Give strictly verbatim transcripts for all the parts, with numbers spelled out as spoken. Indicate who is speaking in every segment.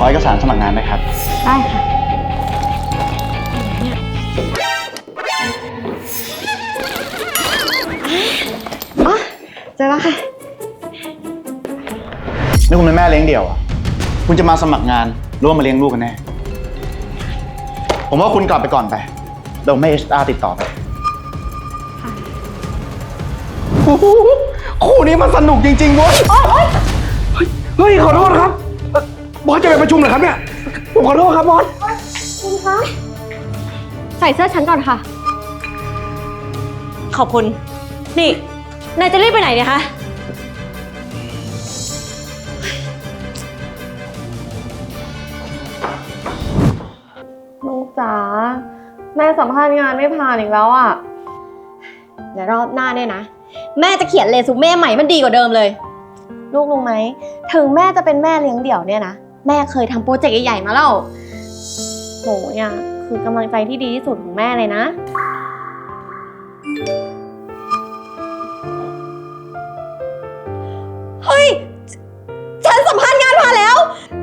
Speaker 1: เอกสารสมัครงานไหมครับ
Speaker 2: ได้ค่ะอ๋อเจอแล้วค่ะ
Speaker 1: นี่คุณเป็นแม่เลี้ยงเดี่ยวอ่ะคุณจะมาสมัครงานหรือว่ามาเลี้ยงลูกกันแน่ผมว่าคุณกลับไปก่อนไปเดี๋ยวไม่ เอช อาร์ ติดต่อไปคู่นี้มันสนุกจริงๆเว้ย
Speaker 3: เฮ้ยขอโทษครับบอสจะไปประชุมเหรอครับเนี่ยผมขอโทษครับบอส
Speaker 2: คุณคะใส่เสื้อฉันก่อนค่ะ
Speaker 4: ขอบคุณนี่นายจะรีบไปไหนเนี่ยคะ
Speaker 2: ลูกจ๋าแม่สัมภาษณ์งานไม่ผ่านอีกแล้วอ่ะเดี๋ยวรอบหน้าเนี่ยนะแม่จะเขียนเรซูเม่ใหม่มันดีกว่าเดิมเลยลูกรู้ไหมถึงแม่จะเป็นแม่เลี้ยงเดี่ยวเนี่ยนะแม่เคยทำโปรเจกต์ใหญ่ๆมาแล้วโหเนี่ยคือกำลังใจที่ดีที่สุดของแม่เลยนะเฮ้ยฉันสัมภาษณ์งานผ่านแล้ว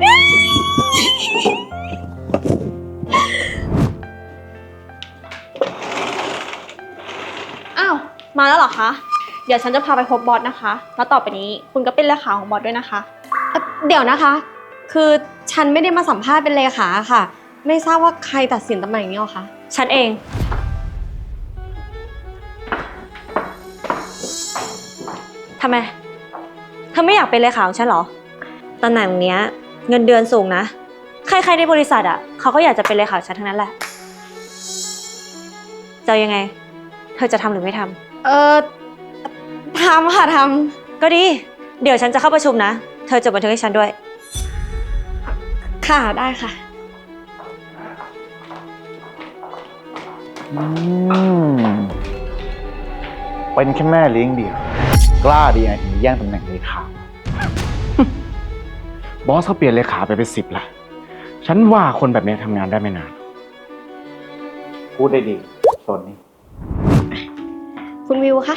Speaker 4: อ้าวมาแล้วเหรอคะเดี๋ยวฉันจะพาไปพบบอสนะคะแล้วต่อไปนี้คุณก็เป็นเลขาของบอสด้วยนะคะ
Speaker 2: เดี๋ยวนะคะคือฉันไม่ได้มาสัมภาษณ์เป็นเลขาค่ะไม่ทราบว่าใครตัดสินตำแหน่งนี้หรอคะ
Speaker 4: ฉันเองทำไมเธอไม่อยากเป็นเลขาของฉันเหรอตำแหน่งเนี้ยเงินเดือนสูงนะใครๆในบริษัทอ่ะเขาก็อยากจะเป็นเลขาฉันทั้งนั้นแหละจะยังไงเธอจะทำหรือไม่ทำ
Speaker 2: เออทำค่ะทำ
Speaker 4: ก็ดีเดี๋ยวฉันจะเข้าประชุมนะเธอจดบันทึกให้ฉันด้วย
Speaker 2: ค่ะได้ค่ะ
Speaker 1: อืมเป็นแค่แม่เลี้ยงเดี่ยวกล้าดีไงถึงแย่งตำแหน่งเลขาบอสเขาเปลี่ยนเลขาไปเป็นสิบละฉันว่าคนแบบนี้ทำงานได้ไม่นานพูดได้ดีส่วนนี้
Speaker 2: คุณวิวคะ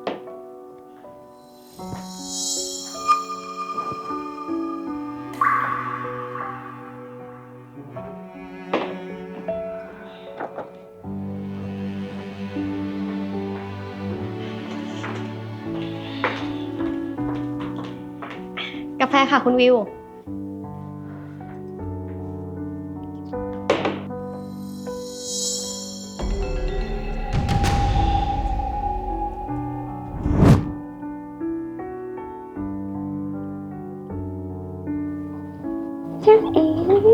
Speaker 2: กาแฟค่ะคุณวิวฉันเอง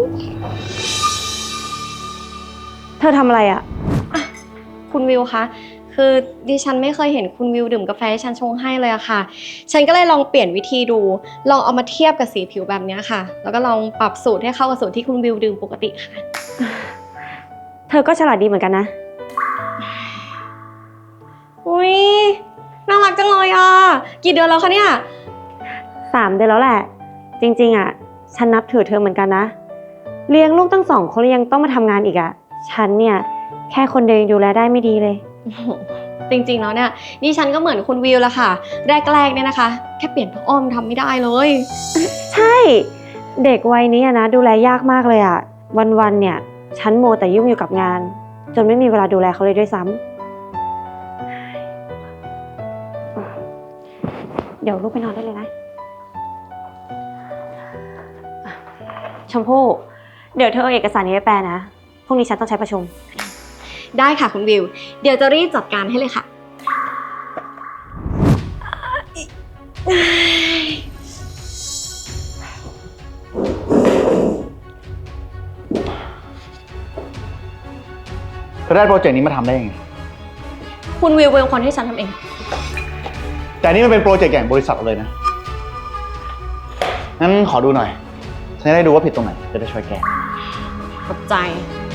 Speaker 4: เธอทำอะไรอ่ะ
Speaker 2: คุณวิวคะคือดิฉันไม่เคยเห็นคุณวิวดื่มกาแฟที่ฉันชงให้เลยอะค่ะฉันก็เลยลองเปลี่ยนวิธีดูลองเอามาเทียบกับสีผิวแบบนี้ค่ะแล้วก็ลองปรับสูตรให้เข้ากับสูตรที่คุณวิวดื่มปกติค่ะ
Speaker 4: เธอก็ฉลาดดีเหมือนกันนะ
Speaker 2: อุ้ยน่ารักจังเลยอ่ะกี่เดือนแล้วคะเนี่ย
Speaker 4: สามเดือนแล้วแหละจริงๆอ่ะฉันนับถือเธอเหมือนกันนะเลี้ยงลูกตั้งสองคนยังต้องมาทำงานอีกอ่ะฉันเนี่ยแค่คนเดียวดูแลได้ไม่ดีเลย
Speaker 2: จริงๆแล้วเนี่ยนี่ฉันก็เหมือนคุณวิวละค่ะแรกๆเนี่ยนะคะแค่เปลี่ยนผ้าอ้อมทำไม่ได้เลย
Speaker 4: ใช่เด็กวัยนี้นะดูแลยากมากเลยอ่ะวันๆเนี่ยฉันโมแต่ยุ่งอยู่กับงานจนไม่มีเวลาดูแลเขาเลยด้วยซ้ำเดี๋ยวลูกไปนอนได้เลยนะชมพู่เดี๋ยวเธอเอาเอกสารนี้ไปแปลนะพรุ่งนี้ฉันต้องใช้ประชุม
Speaker 2: ได้ค่ะคุณวิวเดี๋ยวจะรีบจัดการให้เลยค่ะ
Speaker 1: เธอได้โปรเจกต์นี้มาทำได้ยังไง
Speaker 2: คุณวิวเป็นคนที่ฉันทำเอง
Speaker 1: แต่นี่มันเป็นโปรเจกต์ใหญ่บริษัทเลยนะงั้นขอดูหน่อยฉันจะได้ดูว่าผิดตรงไหนจะได้ช่วยแก้
Speaker 2: ขอบใจ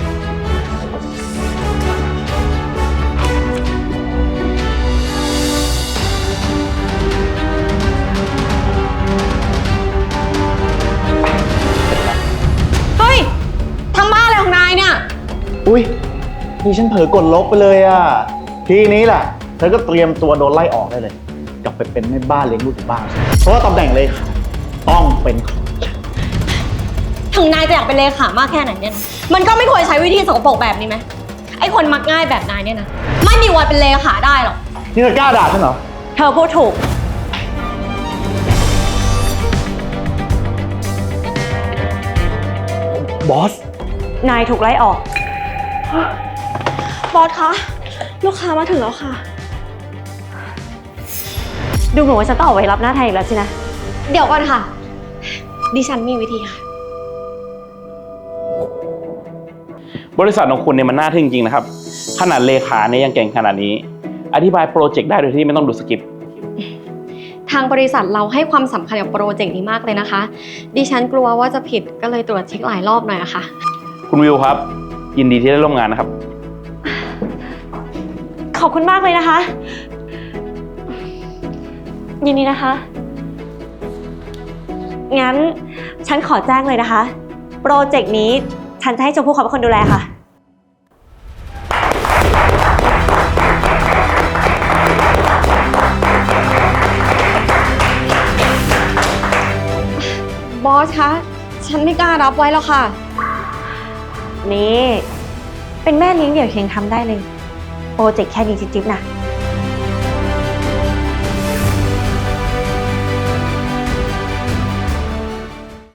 Speaker 2: เฮ้ยทำบ้าอะไรของนายเนี่ย
Speaker 1: อุ้ยนี่ฉันเผลอกดลบไปเลยอ่ะทีนี้แหละเธอก็เตรียมตัวโดนไล่ออกได้เลยกลับไปเป็นแม่บ้านเลี้ยงลูกอยู่บ้านเพราะว่าตำแหน่งเลยค่ะต้องเป็นของฉัน
Speaker 2: ทถึงนายจะอยากเป็นเลขามากแค่ไหนเนี่ยนะมันก็ไม่ควรใช้วิธีสกปรกแบบนี้ไหมไอ้คนมักง่ายแบบนายเนี่ยนะไม่มีวันเป็นเลขาได้หรอก
Speaker 1: นี่เธอกล้าด่าฉันเหรอ
Speaker 2: เธอพูดถูก
Speaker 3: บอส
Speaker 4: นายถูกไล่ออก
Speaker 5: บอสคะ ลูกค้ามาถึงแล้วค่ะ
Speaker 4: ดูเหมือนว่าฉันต้องออกไปรับหน้าแทนอีกแล้วสินะ
Speaker 2: เดี๋ยวก่อนค่ะ ดิฉันมีวิธีค่ะ
Speaker 6: บริษัทของคุณเนี่ยมันน่าทึ่งจริงนะครับ ขนาดเลขาเนี่ยยังเก่งขนาดนี้ อธิบายโปรเจกต์ได้โดยที่ไม่ต้องดูสคริปต์
Speaker 2: ทางบริษัทเราให้ความสำคัญกับโปรเจกต์นี้มากเลยนะคะ ดิฉันกลัวว่าจะผิดก็เลยตรวจเช็คหลายรอบหน่อยอะค่ะ
Speaker 6: คุณวิวครับ ยินดีที่ได้ร่วมงานนะครับ
Speaker 4: ขอบคุณมากเลยนะคะ ยินดีนะคะ งั้นฉันขอแจ้งเลยนะคะ โปรเจกต์นี้ฉันจะให้ชมพู่เขาเป็นคนดูแลค่ะ
Speaker 2: บอสคะ ฉันไม่กล้ารับไว้แล้วค่ะ
Speaker 4: นี่ เป็นแม่เลี้ยงเดี่ยวเพียงทำได้เลย โปรเจกต์แค่นี้จิ๊บๆนะ